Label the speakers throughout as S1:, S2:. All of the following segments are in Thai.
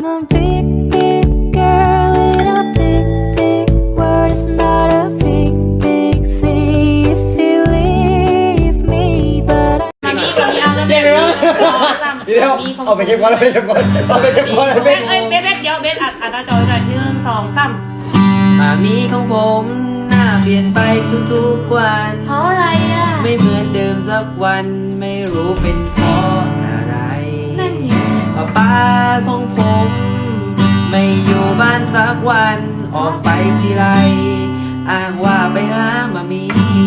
S1: I'm a big, big girl in a big, big world. It's not a big, big thing if you leave me, but I
S2: เดี๋ยวเอาไปเก็บก่อนเอาไปเก็บก่อนเอาไปเก็บก่อนเบส
S3: เดี๋ยวเบสอัดหน้าจอเลย1 2 3
S4: มามีของผมหน้าเปลี่ยนไปทุกๆวัน
S3: เพราะอะไรอ่ะ
S4: ไม่เหมือนเดิมสักวันไม่รู้เป็นเพราะอะไร
S3: นั่นไง
S4: ป้าของผมไม่อยู่บ้านสักวันออกไปทีไรอ้างว่าไปหามามี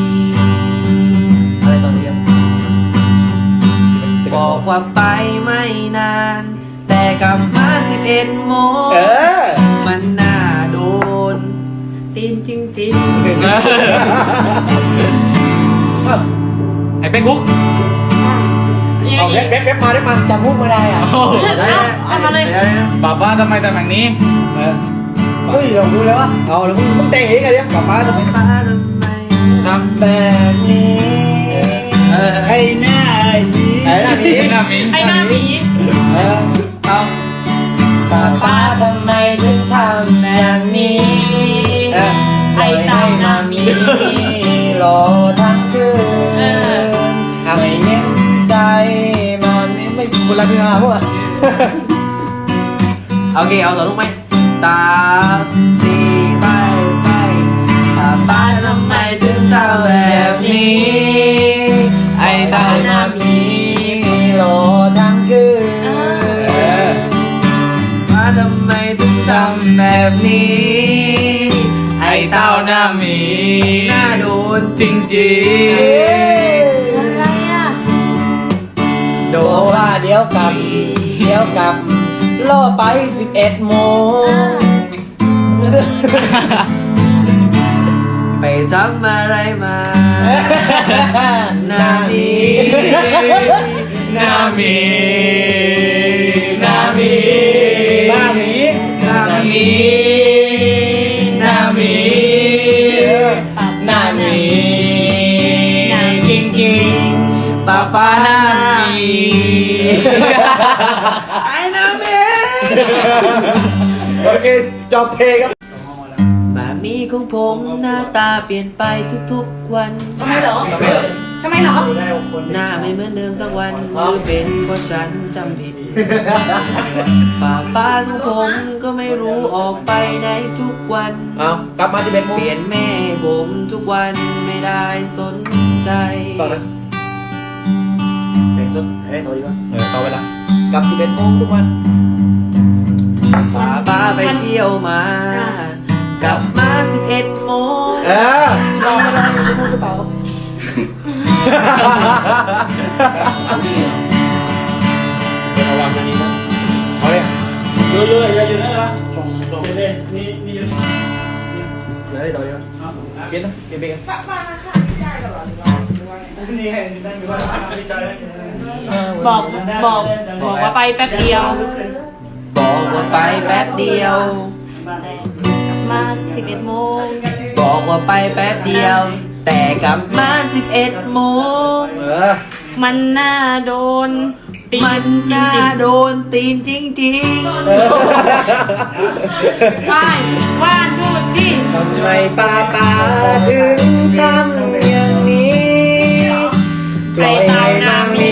S4: อะไรตอนนี้บอกว่าไปไม่นาน แต่กลับมา11 โมงมันน่าโดน
S3: ตีนจริง
S5: ไอ้เป็นกุ๊ก
S2: เอาเว็บมาจำพูดไม่ได้อ่ะ
S3: เอามาเลย
S5: ป้าป้าทำไมทำแบบนี้
S2: เฮ้ยเราดูแล้ววะเอาแล้วมึงแต่งเองไงเนี่ยกลับมาทำไม
S5: ทำ
S2: แบบนี้ไอ้หน้าหีไอ้หน้าหี
S5: หน้ามี
S3: ไอ้หน้าหมี
S4: เอา
S2: ป้าทำไมถึงทำแบบนี้ไอ้หน้ามีรอทั้งคืนไม่เย็นใจมันไม่บุญรักพี่มาพวก
S4: โอเคเอาต่อลูกไหม3 4ไปป้าทำไมถึงทำแบบนี้
S5: ไอ้ตาหน้ามี
S2: รอทั้งคืน
S4: ป้าทำไมถึงทำแบบนี้
S5: ไอ้เต้าหน้ามี
S4: น่าโดน
S5: จริง
S3: อะไรอ่ะ
S4: โด
S2: โอ้
S4: น
S2: ว่าเดี๋ยวกลับล่อไป11 โมง
S4: ไปทำอะไรมาหน้ามี
S5: หน้ามีหน้ามี
S2: หน้าหมี
S4: หน้ามี
S5: หน้ามีหน้ามีจริงจริง
S4: ป้าหน้ามีไอ้หน้ามี
S2: โอเคจบเพลงครับ
S4: มามีของผมหน้าตาเปลี่ยนไปทุกๆวัน
S3: ทำไมเหรอ
S4: หน้าไม่เหมือนเดิมสักวันหรือเป็นเพราะฉันจำผิดป้าของผมก็ไม่รู้ออกไปไหนทุกวัน
S2: เอากลับมา11 โมง
S4: เปลี่ยนแม่ผมทุกวันไม่ได้สนใจ
S2: ต่อนะเพลงสดให้ต่อดีกว่าต่อเวลากลับ11 โมงทุกวัน
S4: ป้าไปเที่ยวมากลับมา11 โมง
S2: รออะไรจะพูดหรือเปล่าระวังอันนี้นะเอาเลยเยอะๆอย่านะส่งเลยนี่เยอะเดี๋ยวได้ต่อดีกว่าเปลี่ยนนะเปลี่ยนกัน
S3: บอกว่าไปแป๊บเดียว
S4: บอกว่าไปแป๊บเดียว
S3: มา11 โมง
S4: บอกว่าไปแป๊บเดียวแต่กลับมา11 โมง
S3: มันน่าโดนตีน
S4: มันน่าโดนตีนจริง
S3: ๆว่านชูดที่
S2: ทำไมป้าถึงทำอย่างนี้ปล่อยให้นางมี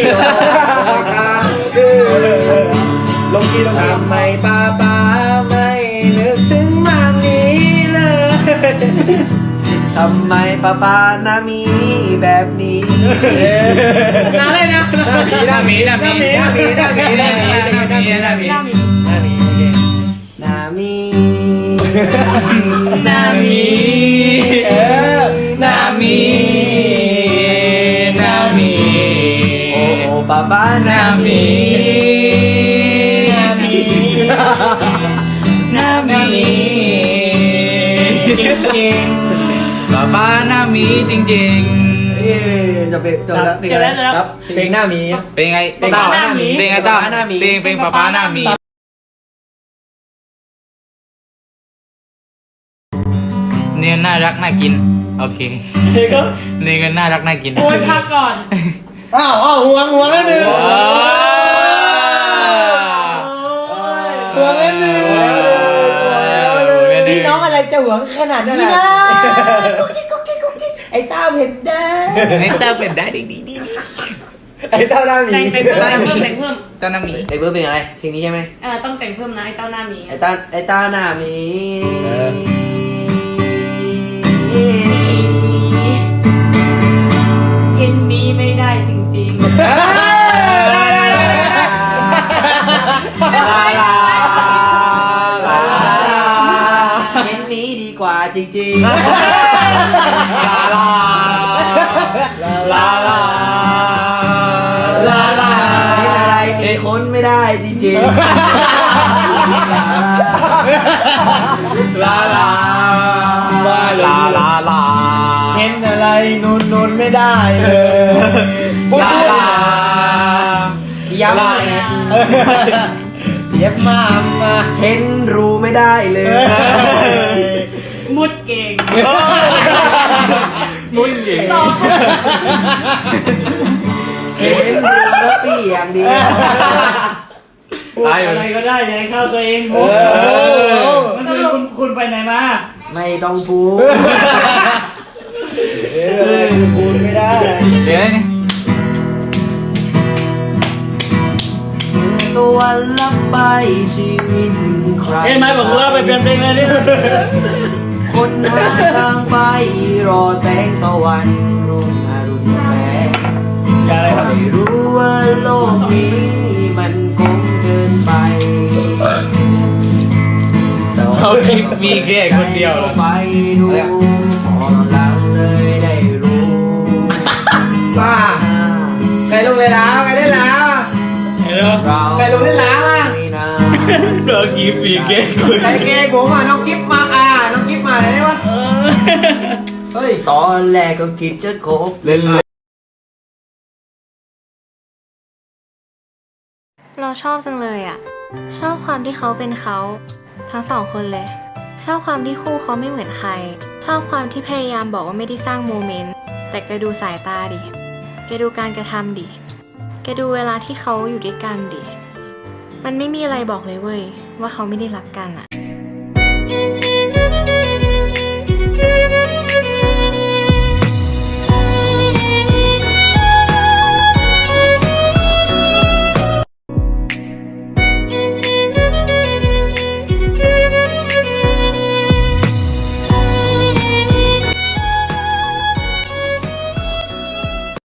S2: ลงที่ทำไมป้าไม่นึกถึงมามีเลย
S4: ทำไมป้าน่ามีแบบนี้
S3: น่าเลยนะ
S5: หน้ามี
S4: น่ามีโอ้ป้าหน้ามี
S5: จริงๆป้าหน้ามีจริง
S4: ๆจะเป็นจบแล้ว
S2: ครับเพลงหน้ามี
S5: เป็นไงเต้าเป็นไงเต้าเป็นป้าหน้ามีเนี่ยน่ารักน่ากินโอเคนี่ก็น่ารักน่ากิน
S3: โอ้ยพักก่อน
S2: อ้าวห่วงแล้วหนึ่งห่วงแล้วหนึ่งพี่น้องอะไรจะห่วงขนาดนี้นะไอ้เต้าเห็นได้
S5: ไอ้เต้าเป็นได้ดี
S2: ไอ้เต้าหน้าหมี
S3: แต่งเพิ่มแต่งเพิ่ม
S5: เต้าน้ำหมี
S4: ไอ้เบิร์ดเป็นอะไรเพลงนี้ใช่ไหม
S3: ต้องแต่งเพิ่มนะไอ้เต้าหน้าหมี
S4: ไอ้ตาหน้ามี
S3: เห็นมีไม่ได้จริง
S2: ลาลาลา
S4: เห็นมีดีกว่าจริง
S2: ลาลาลาลาลาลา
S4: ๆเห็นอะไรมีคนไม่ได้จริงๆ
S2: ลาลาลาลาลาเห็นอะไรนูนไม่ได้เลยลาลา
S4: ย้ำ
S2: ลา
S4: เลย
S2: เย็บมา
S4: เห็นรูไม่ได้เลย
S3: ๆ มุดเก่ง
S2: มุ้นหญิง
S4: เห็นรูแล้วเปียกดี
S3: พูดอะไรก็ได้อย่าให้เข้าตัวเองมุดมันคือคุณไปไหนมา
S4: ไม่ต้องพูด
S2: พูดไม่ได้
S5: เดี๋ยวนี่
S4: ตัววันลับไปชีวิตใคร
S3: เอ้ยไม่บอกว่าไปเปลี่ยนเพลงเลยดิ
S4: คนหาทางไปรอแสงตะวันรุ่งอรุณแสง
S3: อย่าอะไรครับ
S4: ไม่รู้ว่าโลกนี้มันคงเกินไป
S5: เขาคลิปมีแค่คนเดียวเหรอ
S4: ไปดูพอหลังเลยได้รู้
S2: ว่าใครลงเลยแล้วใครได้แล้ว
S4: เรา
S2: ใครลงได้แล้วอ่ะ
S4: ไม่นาน
S5: เราคลิปมีแค่คน
S2: ใครเกย์ผมอ่ะน้องกิฟมาน้องกิฟมาอะไรได้วะเฮ้ย
S4: ตอนแรกก็คิดจะคบ
S5: เล่น
S1: เราชอบจังเลยอ่ะ ชอบความที่เขาเป็นเขาทั้งสองคนเลย ชอบความที่คู่เขาไม่เหมือนใคร ชอบความที่พยายามบอกว่าไม่ได้สร้างโมเมนต์แต่แกดูสายตาดิแกดูการกระทำดิแกดูเวลาที่เขาอยู่ด้วยกันดิมันไม่มีอะไรบอกเลยเว้ยว่าเขาไม่ได้รักกันอ่ะ